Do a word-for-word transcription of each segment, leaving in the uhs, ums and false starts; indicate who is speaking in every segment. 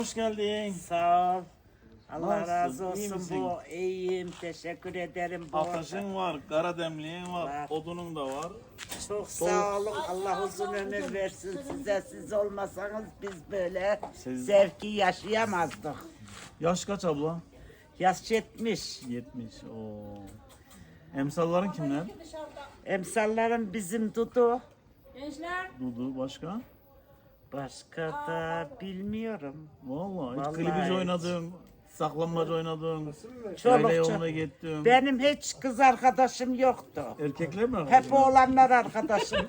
Speaker 1: Hoş geldin.
Speaker 2: Sağ ol. Allah
Speaker 1: Nasılsın,
Speaker 2: razı
Speaker 1: iyi
Speaker 2: olsun.
Speaker 1: misin?
Speaker 2: Bu iyiyim. Teşekkür ederim. Bu
Speaker 1: Ateşin var, kara demliğin var,
Speaker 2: Var.
Speaker 1: odunun da var.
Speaker 2: çok sağ olun. Allah uzun ömür versin size. Siz olmasanız biz böyle
Speaker 1: Siz-
Speaker 2: zevki yaşayamazdık.
Speaker 1: Yaş kaç abla?
Speaker 2: Yaş yetmiş.
Speaker 1: yetmiş. Oo. Emsalların kimler?
Speaker 2: Emsallarım bizim Dudu.
Speaker 1: Dudu başka?
Speaker 2: Başka da bilmiyorum.
Speaker 1: Vallahi, hiç
Speaker 2: Vallahi
Speaker 1: klibici
Speaker 2: hiç.
Speaker 1: oynadın, saklanmaç oynadın,
Speaker 2: Çoluk
Speaker 1: yayla
Speaker 2: çocuk.
Speaker 1: yoluna gittin.
Speaker 2: Benim hiç kız arkadaşım yoktu.
Speaker 1: Erkekler mi?
Speaker 2: Hep oğlanlar arkadaşım.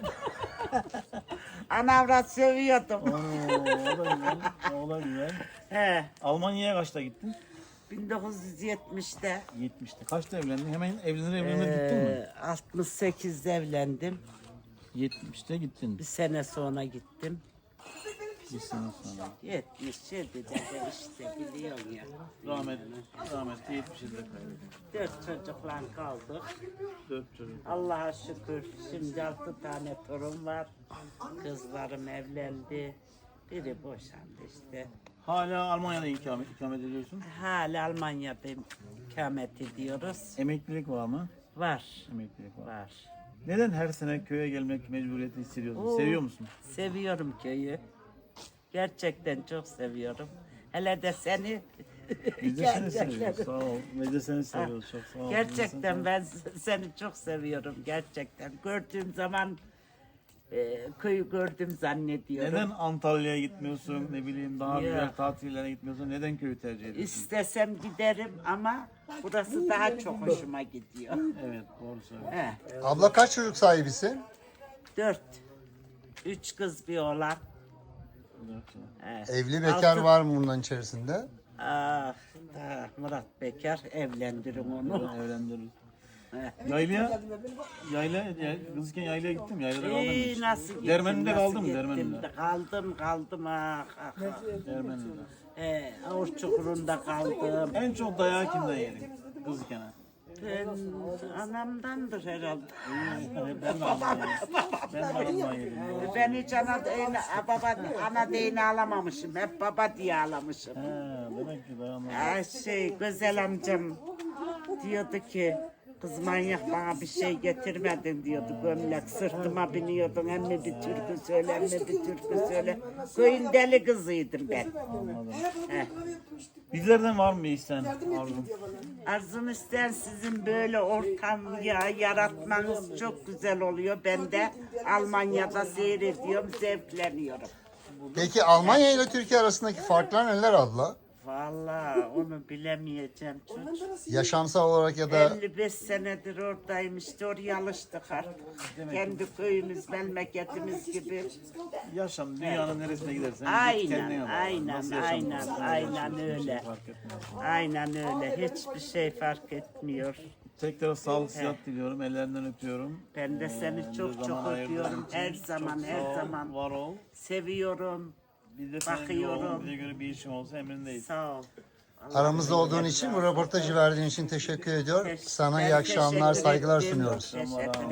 Speaker 2: Anavrat seviyordum.
Speaker 1: Oo, o da güzel. O da güzel.
Speaker 2: He.
Speaker 1: Almanya'ya kaçta gittin?
Speaker 2: bin dokuz yüz yetmişte.
Speaker 1: yetmişte. Kaçta evlendin? Hemen evlenir evlenir gittin mi?
Speaker 2: Ee, altmış sekizde evlendim.
Speaker 1: yetmişte gittin.
Speaker 2: Bir sene sonra gittim.
Speaker 1: Bir sene sonra.
Speaker 2: yetmiş yedide de işte biliyorsun ya.
Speaker 1: Rahmet, rahmetli yetmiş yılda kaybettim.
Speaker 2: Dört çocukla kaldık.
Speaker 1: Dört çocuk.
Speaker 2: Allah'a şükür şimdi altı tane torun var. Kızlarım evlendi. Biri boşandı işte.
Speaker 1: Hala Almanya'da ikamet, ikamet ediyorsun.
Speaker 2: Hala Almanya'da ikamet ediyoruz.
Speaker 1: Emeklilik var mı?
Speaker 2: Var.
Speaker 1: Emeklilik var.
Speaker 2: Var.
Speaker 1: Neden her sene köye gelmek mecburiyeti hissediyorsun?
Speaker 2: Oo.
Speaker 1: Seviyor musun?
Speaker 2: Seviyorum köyü. Gerçekten çok seviyorum. Hele de seni.
Speaker 1: Biz de seni
Speaker 2: Gerçekten.
Speaker 1: seviyoruz. Sağ ol. Biz de seni seviyoruz. Çok sağ ol.
Speaker 2: Gerçekten ben seni çok seviyorum gerçekten. Gördüğüm zaman e, köyü gördüm zannediyorum.
Speaker 1: Neden Antalya'ya gitmiyorsun? Ne bileyim daha
Speaker 2: Ya.
Speaker 1: güzel tatillere gitmiyorsun? Neden köyü tercih ediyorsun?
Speaker 2: İstesem giderim ama burası daha çok hoşuma gidiyor.
Speaker 1: Evet, doğru söylüyorsun.
Speaker 2: He,
Speaker 3: Abla kaç çocuk sahibisin?
Speaker 2: dört. Üç kız bir oğlan. He.
Speaker 3: Evli bekar
Speaker 2: Altı-
Speaker 3: var mı bunların içerisinde?
Speaker 2: Ah, ah, Murat Bekar evlendirin onu.
Speaker 1: Evlendiririz.
Speaker 2: He.
Speaker 1: Yaylaya, yayla, ya, kızken yaylaya gittim. Yaylada kaldım mı
Speaker 2: İyi,
Speaker 1: hiç?
Speaker 2: nasıl gittim?
Speaker 1: Dermen'de
Speaker 2: nasıl
Speaker 1: kaldım,
Speaker 2: gittim?
Speaker 1: Dermen'de.
Speaker 2: Kaldım, kaldım ah, ah, ah.
Speaker 1: Dermen'de.
Speaker 2: He, Avur Çukuru'nda kaldım.
Speaker 1: En çok dayağı kimden yedin? Kızken.
Speaker 2: Ben anamdandır herhalde.
Speaker 1: Ben de Almanya'ya Ben de Almanya'ya yedim.
Speaker 2: Ben hiç ana değini, baba, ana değini alamamışım. Hep baba diye alamışım.
Speaker 1: He, demek ki dayanmadı.
Speaker 2: Ay şey, güzel amcam diyordu ki, kız manyak bana bir şey getirmedin diyordu. Gömlek sırtıma biniyordun. Hem mi bir türkü söyle, hem mi bir türkü söyle. Köyün deli kızıydım ben. He.
Speaker 1: Bizlerden var mı bir isten arzun?
Speaker 2: Arzum isteyen sizin böyle ortam ya yaratmanız çok güzel oluyor. Ben de Almanya'da seyrediyorum, zevkleniyorum.
Speaker 3: Peki Almanya ile Türkiye arasındaki farklar neler abla?
Speaker 2: Vallahi onu bilemeyeceğim çocuk.
Speaker 3: Yaşamsal olarak ya da
Speaker 2: elli beş senedir oradayım işte oraya alıştık artık. Kendi köyümüz, memleketimiz gibi.
Speaker 1: Yaşam dünyanın neresine gidersen
Speaker 2: Aynen,
Speaker 1: kendine bak.
Speaker 2: aynen,
Speaker 1: Nasıl
Speaker 2: aynen,
Speaker 1: yaşamalısın,
Speaker 2: aynen
Speaker 1: yaşamalısın,
Speaker 2: öyle.
Speaker 1: hiçbir şey fark etmez.
Speaker 2: Aynen öyle. Hiçbir şey fark etmiyor.
Speaker 1: Tekrar sağlık sıhhat diliyorum. Ellerinden öpüyorum.
Speaker 2: Ben de seni
Speaker 1: Ee,
Speaker 2: çok
Speaker 1: bir
Speaker 2: çok
Speaker 1: zaman ayırdığın
Speaker 2: öpüyorum.
Speaker 1: için
Speaker 2: Her
Speaker 1: çok
Speaker 2: zaman,
Speaker 1: sağ
Speaker 2: her
Speaker 1: ol,
Speaker 2: zaman.
Speaker 1: Var ol.
Speaker 2: Seviyorum.
Speaker 1: Bir de senin
Speaker 2: Bakıyorum.
Speaker 1: yoğun, bize göre bir işim olsa emrindeyiz.
Speaker 2: Sağ ol.
Speaker 3: aramızda olduğun için, bu röportajı verdiğin için teşekkür ediyorum.
Speaker 2: Teş-
Speaker 3: Sana
Speaker 2: ben
Speaker 3: iyi akşamlar,
Speaker 2: teşekkür
Speaker 3: saygılar
Speaker 2: ettim.
Speaker 3: sunuyoruz.
Speaker 2: Teşekkür